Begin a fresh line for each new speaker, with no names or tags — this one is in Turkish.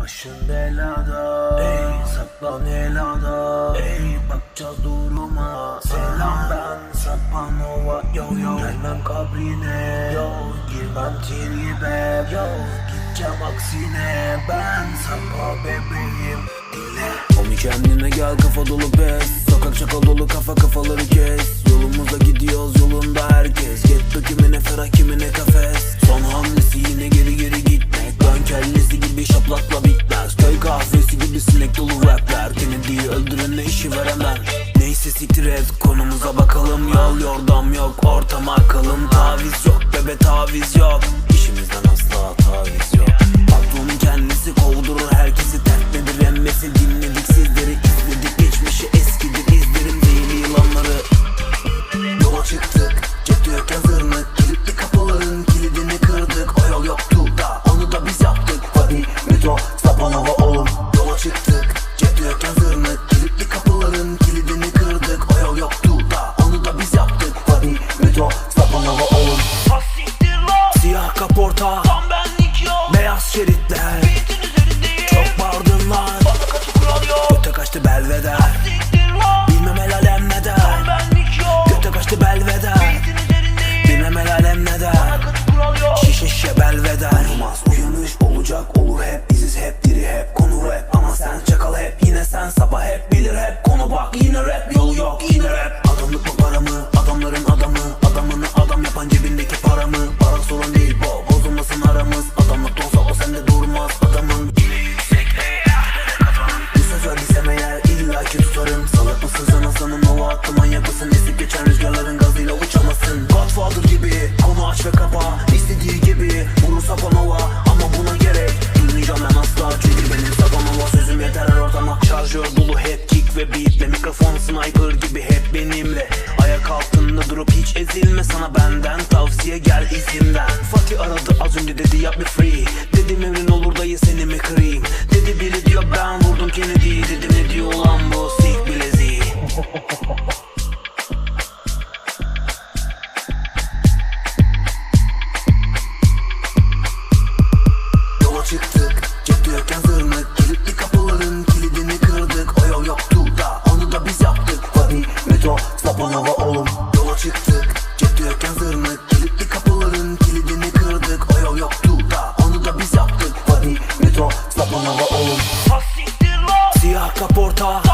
Başın belada, ey saklan helada, ey bakacağız duruma. Selam ben Sapanova, yo yo. Gelmem kabrine, yo girmem tribe, yo gideceğim aksine. Ben Sapa bebeğim, dinle. Omi kendine gel, kafa dolu pes. Sokak çakal dolu, kafaları kes. Yolumuza gidiyoruz, yolunda herkes. Getto kimine ferah, kimine kafes. Son hamlesi yine geri gitmek. Ben kellesi gibi şaplakla bitmez. Köy kahvesi gibi sinek dolu rapler. Kennedy'yi öldürenle işi veremem. Neyse siktir et, konumuza bakalım. Yol yordam yok, ortama akalım. Taviz yok bebe, taviz yok. İşimizden asla taviz yok. Patronun kendisi kovdurur herkesi. Dert nedir emmesi, dinledik sizleri. İzledik geçmişi, eskidir izlerim değil yılanları. Yola çıktık, cepte yokken zırnık. Kilitli kapıların kilidini kırdık. O yol yoktu da onu da biz yaptık. Hadi metro Sapanova oğlum. Yola çıktık, cepte yokken zırnık. Kilitli kapıların kilidini kırdık. O yol yoktu da onu da biz yaptık. Hadi metro Sapanova oğlum. Siyah kaporta,
Tam benlik yok.
beyaz şeritler.
Beatin üzerindeyim.
Çok bağırdın lan,
Bana kaçı kural yok.
göte kaçtı belveder.
Siktir lan.
Bilmem el alem ne
Tam
der.
benlik yok.
Göte kaçtı belveder.
Beatin üzerindeyim.
Bilmem el alem ne der.
Bana kaçı kural yok.
Şişe belveder. Olmaz uyanış olacak olur hep. Biziz hep diri hep konu rap. Ama sen çakal hep, yine sen sabah hep. Bilir hep konu bak yine rap. Yolu yok yine rap. Adamlık mı para mı? Adamların adamı. Adamını adam yapan cebindeki para mı? Para sorun değil bu, bozulmasın aramız. Adamlık olsa o sende durmaz. Adamın yine yüksek bir söz verdiysem eğer illaki tutarım. Salak mısın sen Hasan'ın ova attı, manyak mısın? Esip geçen rüzgarların gazıyla uçamazsın. Godfather gibi konu aç ve kapa. İstediği gibi vurur Sapanova. Ama buna gerek duymayacağım ben asla. Çünkü benim Sapanova sözüm yeter her ortama. Şarjör dolu hep kick ve beatle. Mikrofon sniper gibi hep benimle. Ayak altında durup hiç ezilme. Sana benden tavsiye, gel izimden. Fatih aradı az önce, dedi yap me free. Dedim emrin olur dayı, seni mi kırayım? Dedi biri diyor ben vurdum Kennedy'yi. Dedim ne diyor lan bu sik bileziği. Yola çıktık, cepte yokken zırnık. Kilitli kapıların kilidini kırdık. O yol yoktu da onu da biz yaptık. Hadi metro Sapanova oğlum. Yola çıktık, cepte yokken zırnık. Kilitli kapıların kilidini kırdık. O yol yoktu da onu da biz yaptık. Hadi metro Sapanova oğlum.
Siktir lan.
Siyah kaporta,